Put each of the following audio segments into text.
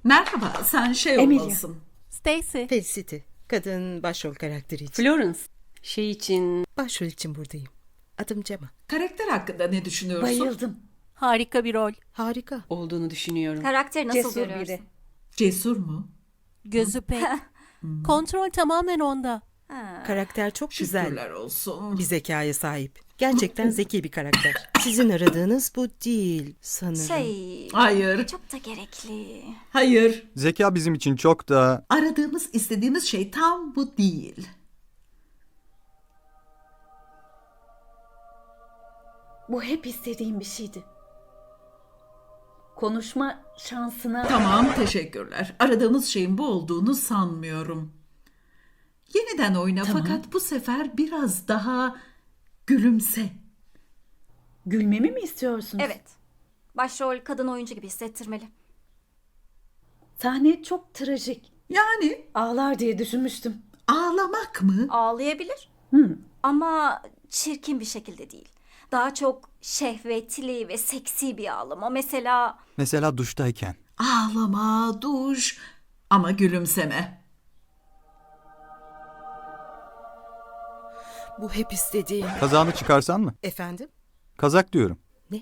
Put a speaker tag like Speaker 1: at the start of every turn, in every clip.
Speaker 1: Merhaba, sen
Speaker 2: Emilia.
Speaker 1: olmalısın.
Speaker 3: Stacy.
Speaker 2: Felicity. Kadın başrol karakteri için.
Speaker 3: Florence. Şey için
Speaker 2: Başrol için buradayım. Adım Cema.
Speaker 1: Karakter hakkında ne düşünüyorsun?
Speaker 2: Bayıldım.
Speaker 3: harika bir rol.
Speaker 2: Harika.
Speaker 3: Olduğunu düşünüyorum.
Speaker 4: Karakteri nasıl
Speaker 2: Cesur
Speaker 4: görüyorsun?
Speaker 2: biri.
Speaker 1: Cesur mu?
Speaker 3: Gözü pek. Kontrol tamamen onda.
Speaker 2: Karakter çok güzel.
Speaker 1: Şükürler olsun.
Speaker 2: Bir zekaya sahip. Gerçekten zeki bir karakter. Sizin aradığınız bu değil sanırım.
Speaker 1: Hayır,
Speaker 4: Çok da gerekli.
Speaker 1: hayır.
Speaker 5: Zeka bizim için çok da...
Speaker 1: Aradığımız, istediğimiz şey tam bu değil.
Speaker 6: Bu hep istediğim bir şeydi. Konuşma şansına...
Speaker 1: Tamam, teşekkürler. Aradığımız şeyin bu olduğunu sanmıyorum. Yeniden oyna fakat bu sefer biraz daha gülümse.
Speaker 6: Gülmemi mi istiyorsunuz?
Speaker 4: Evet. Başrol kadın oyuncu gibi hissettirmeli.
Speaker 6: Sahne çok trajik.
Speaker 1: Yani
Speaker 6: Ağlar diye düşünmüştüm.
Speaker 1: ağlamak mı?
Speaker 4: Ağlayabilir. Ama çirkin bir şekilde değil. Daha çok şehvetli ve seksi bir ağlama.
Speaker 5: Mesela duştayken.
Speaker 1: Ağlama, duş ama gülümseme.
Speaker 2: Bu hep istediğim.
Speaker 5: Kazağını çıkarsan mı?
Speaker 2: Efendim?
Speaker 5: Kazak diyorum.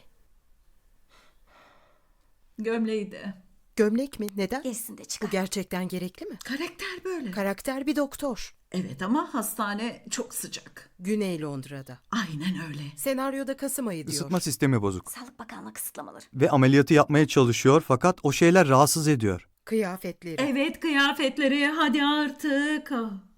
Speaker 1: Gömleği de.
Speaker 2: Gömlek mi? Neden?
Speaker 4: Giysin de
Speaker 2: Bu
Speaker 4: çıkar.
Speaker 2: gerçekten gerekli mi?
Speaker 1: Karakter böyle.
Speaker 2: Karakter bir doktor.
Speaker 1: Evet ama hastane çok sıcak.
Speaker 2: Güney Londra'da.
Speaker 1: Aynen öyle.
Speaker 2: Senaryoda Kasım ayı diyor.
Speaker 5: Isıtma sistemi bozuk.
Speaker 4: Sağlık Bakanlığı kısıtlamaları.
Speaker 5: Ve ameliyatı yapmaya çalışıyor fakat o şeyler rahatsız ediyor.
Speaker 2: Kıyafetleri.
Speaker 1: Evet, kıyafetleri hadi artık.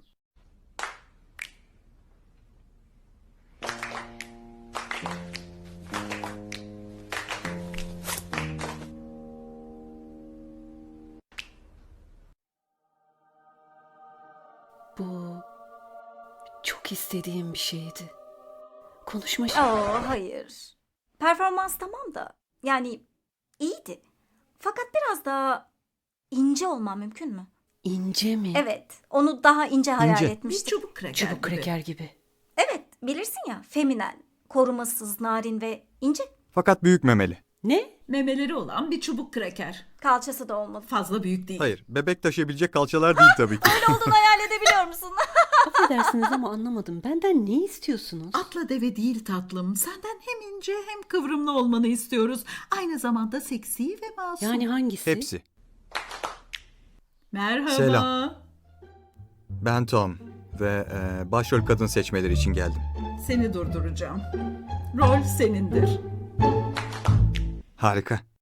Speaker 7: Bu çok istediğim bir şeydi. Konuşma
Speaker 4: Hayır. Performans tamam da. Yani iyiydi. Fakat biraz daha ince olman mümkün mü?
Speaker 7: ince mi?
Speaker 4: Evet. Onu daha ince hayal
Speaker 5: İnce.
Speaker 1: Bir
Speaker 4: etmiştim.
Speaker 1: çubuk kraker
Speaker 7: Çubuk
Speaker 1: gibi.
Speaker 7: kreker gibi.
Speaker 4: Evet. Bilirsin ya. Feminen, korumasız, narin ve ince.
Speaker 5: Fakat büyük memeli.
Speaker 7: Ne?
Speaker 1: Memeleri olan bir çubuk kraker.
Speaker 4: Kalçası da olmalı.
Speaker 1: Fazla büyük değil.
Speaker 5: Hayır, bebek taşıyabilecek kalçalar değil tabii ki.
Speaker 4: Ne olduğunu hayal edebiliyor musun?
Speaker 7: Affedersiniz ama anlamadım. Benden ne istiyorsunuz?
Speaker 1: Atla deve değil tatlım. Senden hem ince hem kıvrımlı olmanı istiyoruz. Aynı zamanda seksi ve masum.
Speaker 7: Yani hangisi?
Speaker 5: Hepsi.
Speaker 1: Merhaba.
Speaker 5: Selam. Ben Tom ve başrol kadın seçmeleri için geldim.
Speaker 1: Seni durduracağım. Rol senindir.
Speaker 5: Harika.